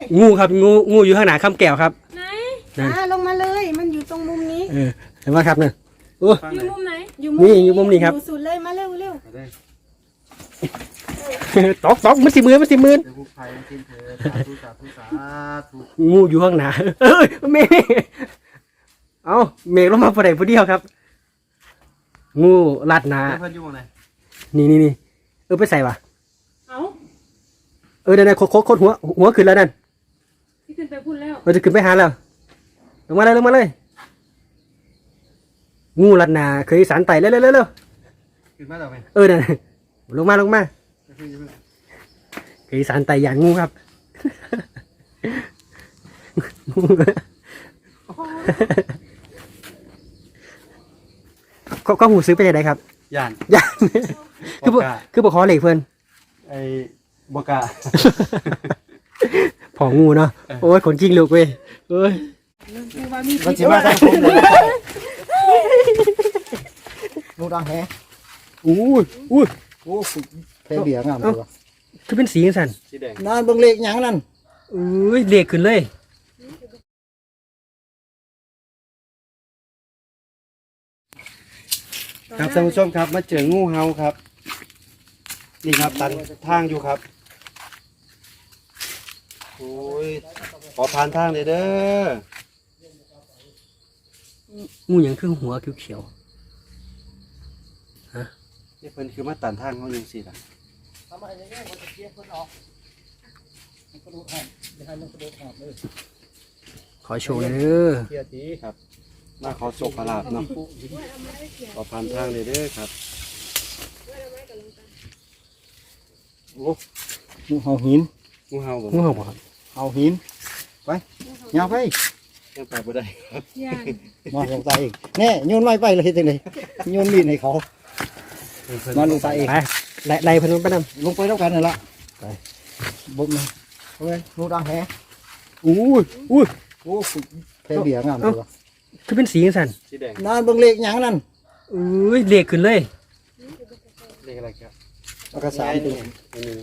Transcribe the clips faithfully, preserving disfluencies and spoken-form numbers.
งูครับงูงูอยู่ข้างหน้าข้ามแก้วครับไหนอ่าลงมาเลยมันอยู่ตรงมุมนี้เออเห็นไหมครับเนี่ยโอ้อยู่มุมไหนอยู่มุมนี่อยู่มุมนี้ครับอยู่สุดเลยมาเร็วเร็วตอกตอกมันสิมือมันสิมือเดี๋ยวผู้ภัยกินเถอะสาธุสาธุสาธุงูอยู่ข้างหน้าเอ้ยเมฆเอาเมฆลงมาพอดีพอดีครับงูลัดหนาเพื่อนอยู่ตรงไหนนี่นี่นี่เออไปใส่ปะเอ้าเออเดี๋ยวๆโคตรโคตรหัวหัวขึ้นแล้วนั่นที่ขึ้นไปพูดแล้วเราจะขึ้นไปหาแล้วลงมาเลยลงมาเลยงูลัดหนาเคยสารไต่เร็วเร็วเร็วขึ้นมาต่อไปเออนั่นลงมาลงมาขึ้นขึ้นเคยสารไต่อย่างงูครับก็ก็หูซื้อไปไหนครับย่านย่านคือบ่คือบ่ขอเหล็กเพิ่นไอ้บกาผองูเนาะโอ้ยขนจริงลูกเว้ยเอ้ยคือว่ามีมันพิษจะมาทางผมเลยลูกดังแฮะอู้ยอู้ยโอ้สุดแค่เบียร์งามเลยวะคือเป็นสีจังซั่นสีแดงนานเบิ่งเลขหยังนั่นอุ้ยเหล็กขึ้นเลยครับท่านผู้ชมครับมาเจองูเห่าครับนี่ครับตันทางอยู่ครับโอ้ยขอผ่านทางเลยเด้องูหยังคือหัวเขียวนี่เพิ่นคือมาตันทางเขาอยู่สิล่ะๆขอโชว์เลยเด้อเกียร์ตีครับมาขอโชคขอลาบเนาะขอผ่านทางเลยเด้อครับโอ้งูเห่าหินงูเห่าบ่งูเห่าบ่ครับเห่าหินไปยาวไปยังไปบ่ได้ครับย่านมาลงตาเองแน่โยนไม้ไปเลยจังได๋โยนมีดให้เขามาลงตาเองไปไล่ไล่เพิ่นไปนำลงไปแล้วกันนั่นล่ะไปบุกมาโอ้ยลูกดังแฮะอู้ยอู้ยโอ้สุดแค่เบียร์งามเลยวะคือเป็นสีจังซั่นสีแดงนานเบิ่งเลขหยังนั่นอุ้ยเหล็กขึ้นเลยเลขอะไรครับแล้วก็สามตัวอันนี้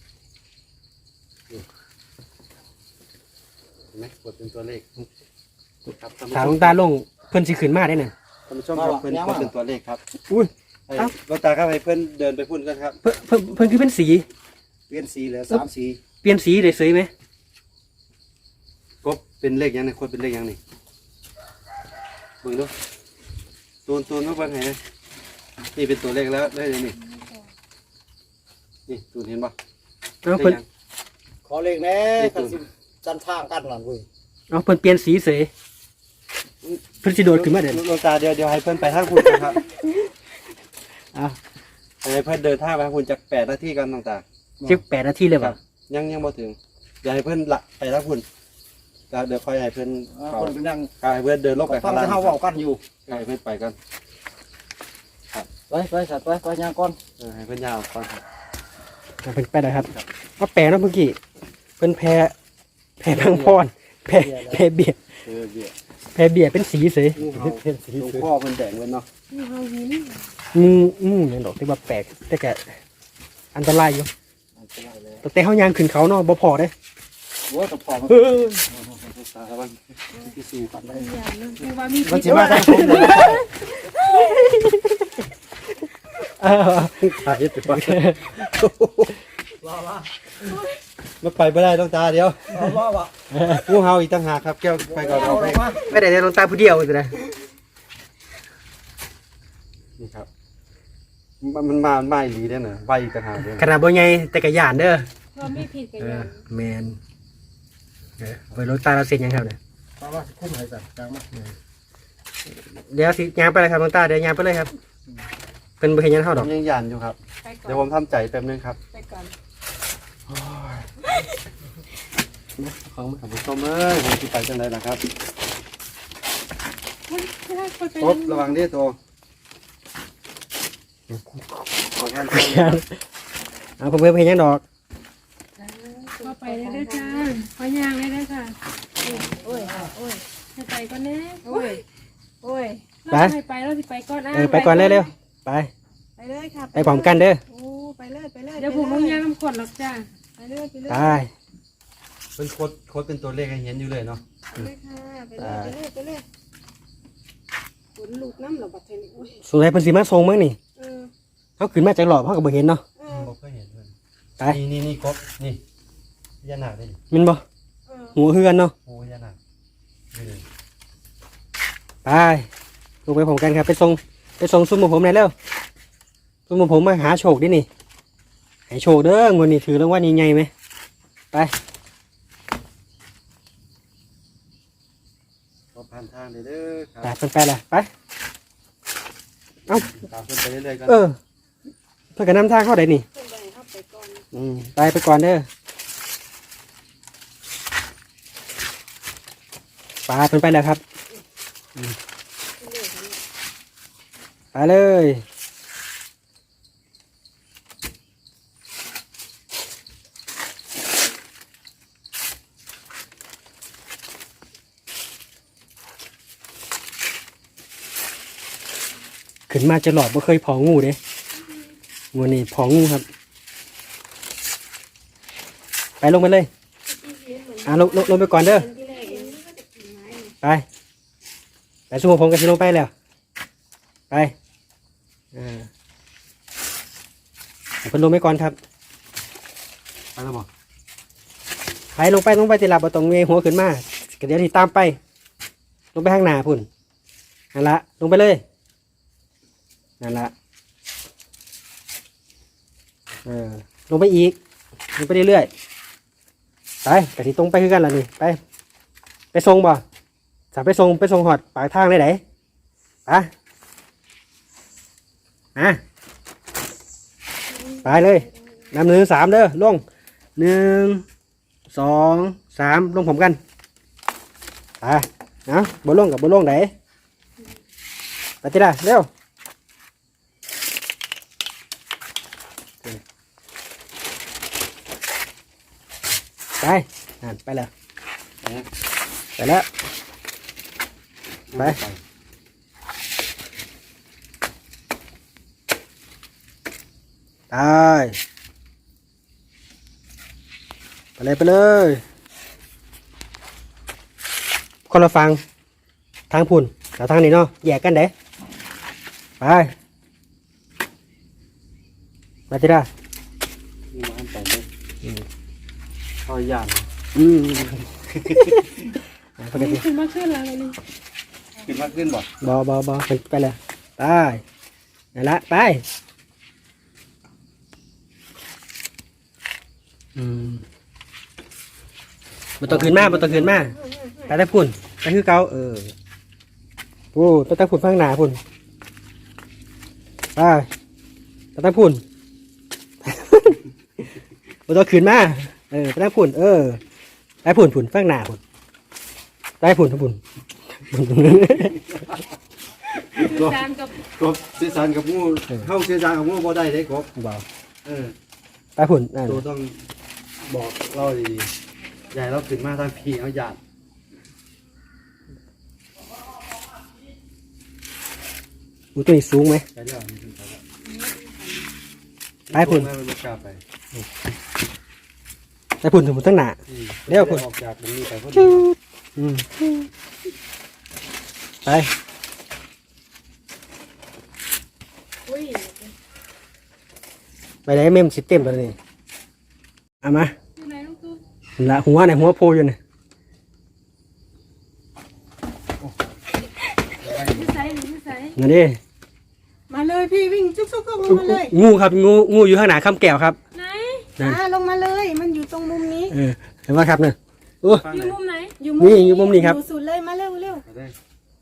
เห็นไหมกดเป็นตัวเลขครับท่านผู้ถามชหลวมงตาลงเพิ่นสิขึ้นมาได้น่ะท่านผู้ชมครับเพิ่นกดเป็นตัวเลขครับอุ้ยให้เอ้าหลวงตาครับให้เพิ่นเดินไปพุ่นกันครับเพิ่นเพิ่นเพิ่นคือเป็นสีเปลี่ยนสีเหลือสามสีเปลี่ยนสีได้สวยไหมกบเป็นเลขยังไงคนเป็นเลขยังนี่เบิ่งดูตูนตูนมาเบิ่งให้นะนี่เป็นตัวเลขแล้วได้ยังนี่นี่ตูนเห็นป่ะเอาเพิ่นขอเลขแน่กันสิจันทางกันนั่นเว้ยเอาเพิ่นเปลี่ยนสีเสยเพิ่นสิโดดขึ้นมาเด่นหลวงตาเดี๋ยวเดี๋ยวให้เพิ่นไปทางพุ่นนะครับอ่ะให้เพิ่นเดินทางไปทางพุ่นจากแปดนาทีกันหลวงตาสิบแปดนาทีเลยครัป่ะบยังยังบ่ถึงอย่าให้เพิ่นละไปทางพุ่นแล้วเดี๋ยวค่อยให้เพิ่นอ่าเข้าคนเป็นนั่งให้เพิ่นเดินลงไปฟัข้าง งล่างแต่เฮาเว้ากันอยู่ให้เพิ่นไปกันไปไปสัตว์ไปไปย่างก่อนเออให้เพิ่นยาวก่อนครับเอาเพิ่นไปได้ครับว่าแปลเนาะเมื่อกี้เพิ่นแพ้แพ้พังพรแพ้แพ้เบียร์เออเบี้ยแพ้เบียร์เป็นสีเสยงูเห่าหลวงพ่อเพิ่นแดงเว้นเนาะมีเฮาหินงูงูอย่างดอกที่ว่าแปลกแต่แกอันตรายอยู่แต่แต่เฮายางขึ้นเขาเนาะบ่พอเด้หัวกับพอมันเออตาบ้างที่สู้กันได้ย่านเนาะคือว่ามีมันพิษสิมาทางผมเลยเออตายไปก่อนว่าว่ามาไปไม่ได้ต้องตาเดียวว่าว่างูเห่าอีกต่างหากครับแก้วไปก่อนเอาเอาลไปงมาไม่ได้ลงตาผู้เดียวสินะนี่ครับมันมันมาไม่ดีได้เนอะใบอีกต่างหากเลยขนาดบ่ใหญ่แต่ก็ย่านเด้อว่ามีผิดกันเอย่าอน แมนเออไปลงตาเราเสร็จยังครับเนี่ยว่าว่าสิคุ้มให้สัตว์กลางมาเดี๋ยวสิยางไปเลยครับลงตาเดี๋ยวยางไปเลยครับเป็นบ่เห็นยันเฮาผดอกมยังยันอยู่ครับไปก่อเดี๋ยนวผมทำใจแป๊บนึงครับไปก่อนของท่านผู้ชมเอ้ยผมจะไปจังไรล่ะครับไม่ได้คนไปครบระวังเด้อตัวขอแค่เอาผมเพิ่นเห็นยังดอกว่าไปได้ด้วยจ้าขอย่างได้ด้วยค่ะโอ้ยโอ้ยให้ไปก่อนแน่โอ้ยโอ้ยเราให้ไปเราสิไปก่อนเออไปก่อนเร็วๆไปไปเลยค่ะไปพร้อมกันเด้อโอ้ไปเลยไปเลยเดี๋ยวผมลงยางน้ำขวดหรอกจ้าไปเลยไปเลยไปไปเป็นโคตรโคตรเป็นตัวเลขให้เห็นอยู่เลยเนาะไปเลยค่ะไปเลยไปเลยไปเลยฝนลูกน้ำเหรอบัดเทนี่อุ้ยสงสัยเพิ่นสิมาส่งมั้งนี่เออเขาขึ้นมาจากหลอบเขาก็บ่เห็นเนาะเออบ่เคยเห็นเลยไปนี่นี่นี่กบนี่พญานาคได้ดิแมันบ่เออหัวเฮือนเนาะโอ้พญานาคนี่เลยไปลงไปผมกันครับไปส่งไปส่งซุ่มหมู่ผมหน่อยเร็วซุ่มหมู่ผมมาหาโชคดินี่ให้โชคเด้องวดนี้ถือรางวัลใหญ่ๆไหมไปก็ผ่านทางเลยเด้อคไปรับเพิ่นไปละไปเอ้าตามเพิ่นไปเรื่อยๆกันเออเพิ่นก็นำทางเข้าได้นี่เพิ่นไปเข้าไปก่อนอืมไปไปก่อนเด้อไปเพิ่นไปแล้วครับอืมไปเลยขึ้นมาจะหลอดบ่เคยพองูเด้งูนี่พองูครับ ไปลงไปเลย อ่ะลงลงลงไปก่อนเด้อที่แรกเองนี่ก็จะกินไม้นี่ไป ไปสู้ผมกับชิลงไปแล้ว ไปอ่าเอาเพิ่นลงไปก่อนครับไปแล้วบ่ไปลงไปลงไปติลับเอาตรงเงยหัวขึ้นมาก็เดี๋ยวที่ตามไป ลงไปข้างหน้าพุ่นนั่นละลงไปเลยนั่นละเออลงไปอีกลงไปเรื่อยๆไปกะทิตรงไปคือกันล่ะนี่ไป ไปส่งบ่สามไปส่งไปส่งหอดปากทางเลยไหนไปอ่ะไปเลยนำหนึ่งสามเด้อลงหนึ่งสองสามลงผมกันไปเอาบ่ลงกับบ่ลงไหนไปติล่ะเร็วไปอ่านไปแล้วไปนะไปแล้ว ไป ตายไปเลยไปเลยคนละฟังทางพุ่นกับทางนี้เนาะแยกกันเด้ไปมาจิได้นี่มาอันไปเลยเข้าย่านอืมปกติขึ้นมาขึ้นแล้วนี่ขึ้นมากขึ้นบ่บอบอบอไปไปเลยไปนั่นละไปอืมบ่ต้องขึ้นมาบ่ต้องขึ้นมาไปแต่พุ่นไปคือเก่าเออโอ้ไปแต่พุ่นข้างหน้าพุ่นไปไปแต่พุ่น บ่ต้องขึ้นมาเออไปแต่พุ่นเออไปพุ่นพุ่นข้างหน้าพุ่นไปพุ่นพุ่นจานกับกบสื่อสารกับงูเข้าสื่อสารกับงูบ่ได้เด้กบบ่เออไปพุ่นนั่นตัวต้องบอกเราดีๆใหญ่เราขึ้นมาทางพี่เอาหยาดอูตัวนี้สูงไหมใช่แล้วนี่ขึ้นไปแล้วไปพุ่นไม่ไม่กล้าไปไปพุ่นถึงพุ่นตั้งหนาอืมเดี๋ยวพุ่นออกจากตรงนี้ไปพุ่นอืมไปอุ้ยไปไหนเมมสิเต็มตัวนี้เอามาอยู่ไหนลูกตุ๊กละหัวไหนหัวโพอยู่เนี่ยนิสัยนิสัยนั่นดิมาเลยพี่วิ่งจุกๆก็ลงมาเลยงูครับงูงูอยู่ข้างหน้าคำแก้วครับไหนนั่นอ่าลงมาเลยมันอยู่ตรงมุมนี้เออเห็นว่าครับเนี่ยโอ้อยู่มุมไหนอยู่นี่อยู่มุมนี้ครับอยู่สุดเลยมาเร็วเร็วไปได้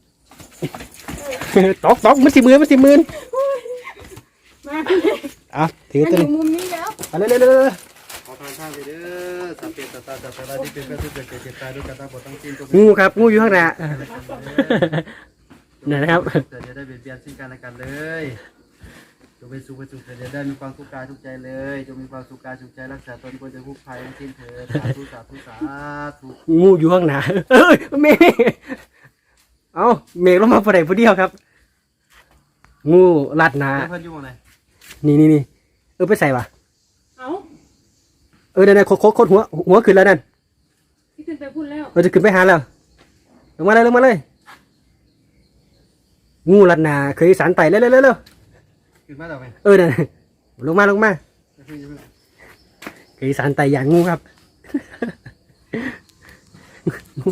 ตอกตอกมันสิมือมันสิมือมาอ่ะถือมันตัวอยู่นี้มุมนี้แล้วไปเร็วเร็วเร็วเร็วขอทางข้างไปเด้อสัพเพตตาจัตตาที่เป็นกระสุนเกิดเกิดตายด้วยกันตาบอดตั้งสิ้นตัวงูครับงูอยู่ข้างหน้านี่นนะครับเกิดจะได้เบียดเบียนซึ่งกันและกันเลยจงเป็นสุขเป็นสุขเกิดจะได้มีความทุกข์กายทุกใจเลยจงมีความสุขกายสุขใจรักษาตนควรจะผู้ภัยทั้งสิ้นเถิดสาธุสาธุสาธุงูอยู่ข้างหน้าเอ้ยเมฆเอาเมฆลงมาพอดีพอเดียวครับ งูลัดหนาเพื่อนอยู่ไหนนี่นี่นี่เออไปใส่ปะเอ้าเออเดี๋ยวเดี๋ยวโคตรโคตรหัวหัวขึ้นแล้วนั่นพี่ขึ้นไปพูดแล้วเราจะขึ้นไปหาแล้วลงมาเลยลงมาเลยงูลัดหนาเคยสารไต่เร็วเร็วเร็วเร็วขึ้นมาต่อไปเออนั่นลงมาลงมาเคยสารไต่อย่างงูครับงู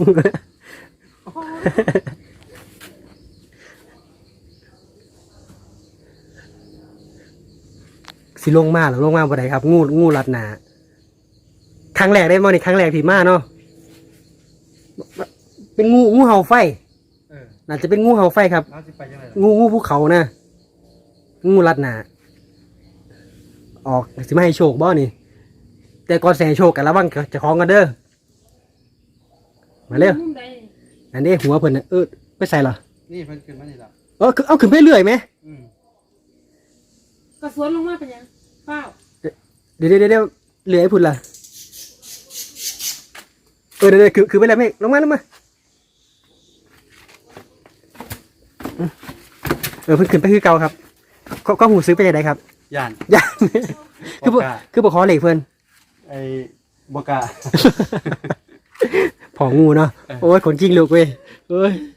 สิลงมาหรือลงมาบ่ได้ครับ งูงูลัดหนาครั้งแรกได้มาในครั้งแรกที่มาเนาะเป็นงูงูเห่าไฟเออน่าจะเป็นงูเห่าไฟครับน้าสิไปยังไงงูงูภูเขานะงูลัดหนาออกสิไม่ให้โชคบ่นี่แต่ก่อนแสโชคกันระวังเจะคล้าของกันเด้อมาเร็วมุมใดอันนี้หัวเพิ่นน่ะเออไปใส่เหรอนี่เพิ่นขึ้นมานี่ละเออคือเอาขึ้นไปเรื่อยไหมอืมกระสวนลงมาเป็นยังเปล่าเดี๋ยวเดี๋ยวเดี๋ยวเหลือไอ้พุ่นล่ะเออเดี๋ยวเดี๋ยวคือคือไปแล้วไม่ลงมาลงมาอืมเออเพิ่นขึ้นไปคือเก่าครับก็ก็หูซื้อไปยังไงครับย่านยัง คือบ่คือบ่ขอเหล็กเพิ่นไอ้บกล้าผองูเนาะโอ้ยขนจริงลูกเว้ยเอ้ย